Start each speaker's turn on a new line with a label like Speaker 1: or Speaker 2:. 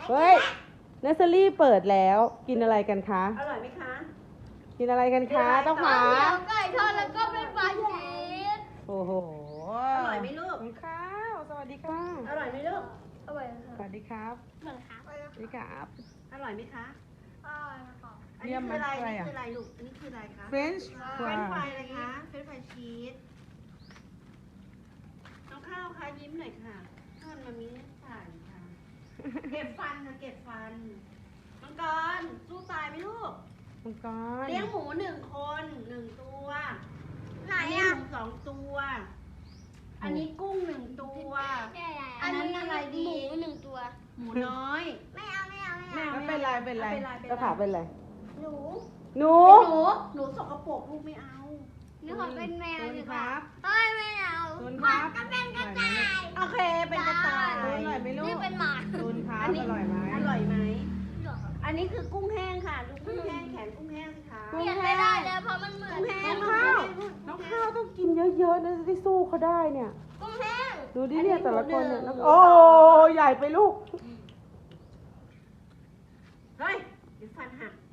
Speaker 1: เฮ้ยเนสเซอรี่เปิดแล้วกินอะไรกันคะ
Speaker 2: อร่อยไหมคะ
Speaker 1: กินอะไรกันคะต้องหา
Speaker 3: ไก่ทอดแล้วก็เป็นปลาชีส
Speaker 1: โอ้โห
Speaker 2: อร่อยไหมลูก
Speaker 1: คุณข้าวสวัสดีค่ะ
Speaker 2: อร่อยไหมลูก
Speaker 3: อร่อย
Speaker 1: ส
Speaker 3: ค่ะ
Speaker 1: วัสดีครับ
Speaker 3: เหมือนค่ะ
Speaker 1: สวัสดีครับ
Speaker 2: อร่อยไหมคะ
Speaker 3: อร่อยค่ะ
Speaker 2: อันนี้คืออะไรนี่คืออะไรลูกอันนี้คืออะไรคะ
Speaker 1: เฟรนช์
Speaker 2: เฟรนช์ฟรายอะไรคะเฟรนช์ฟรายชีสน้องข้าวคะยิ้มหน่อยค่ะข้าวมันมีถ่ายค่ะ เก็บฟันค่ะเก็บฟันมังกรสู้ตายไหมลูก
Speaker 1: มังกร
Speaker 2: เลี้ยงหมู1 คน1 ตัว
Speaker 3: ไหน
Speaker 2: อันนี้
Speaker 3: อ่ะ
Speaker 2: หมู2 ตัว อันนี้กุ้ง1 ตัว
Speaker 3: อันนี้อะไรดีหมูหนึ่งตัว
Speaker 2: หมูน้อย
Speaker 3: ไม่เอาไม่เอาไม่
Speaker 2: ไม่
Speaker 3: เอา
Speaker 2: เอา
Speaker 1: ไม่เป็นไรเป็นไร
Speaker 2: ไม่เป็นไร
Speaker 1: ก็ถามเป็นไร
Speaker 3: หนู
Speaker 1: หนู
Speaker 2: หนูสกปรกลูกไม่เอา
Speaker 3: หนูขอเป็นแมว
Speaker 1: ศูน
Speaker 3: ดี
Speaker 1: ย์
Speaker 3: ก
Speaker 1: ค
Speaker 3: ว่า
Speaker 1: รับ
Speaker 3: เอ้ยไม่เอา
Speaker 1: ศูนย์ครับ
Speaker 3: ก็เป็นกระต่าย
Speaker 2: โอเคเป็นกระต่าย
Speaker 1: อร่อยไหมลูก
Speaker 3: นี่เป็นหมา
Speaker 1: ศูนย์ครับ
Speaker 2: อันนี้
Speaker 1: อร่อยไหม
Speaker 2: อร่อยไหม อันนี้คือกุ้งแห้งค่ะดูกุ้งแห้งแขนกุ้งแห้งสิคะ
Speaker 3: เปลี่ยนไม่ได้เลยเพราะมันเหมือน
Speaker 2: กุ้งแห้ง
Speaker 1: น้องข้าวน้องข้าวต้องกินเยอะๆนะจะได้สู้เขาได้เนี่ย
Speaker 3: กุ้งแห้ง
Speaker 1: ดูดิเนี่ยแต่ละคนเนี่ยน้องโอ้ใหญ่ไปลูก
Speaker 2: เฮ้ยเดี๋ยวฟันหัก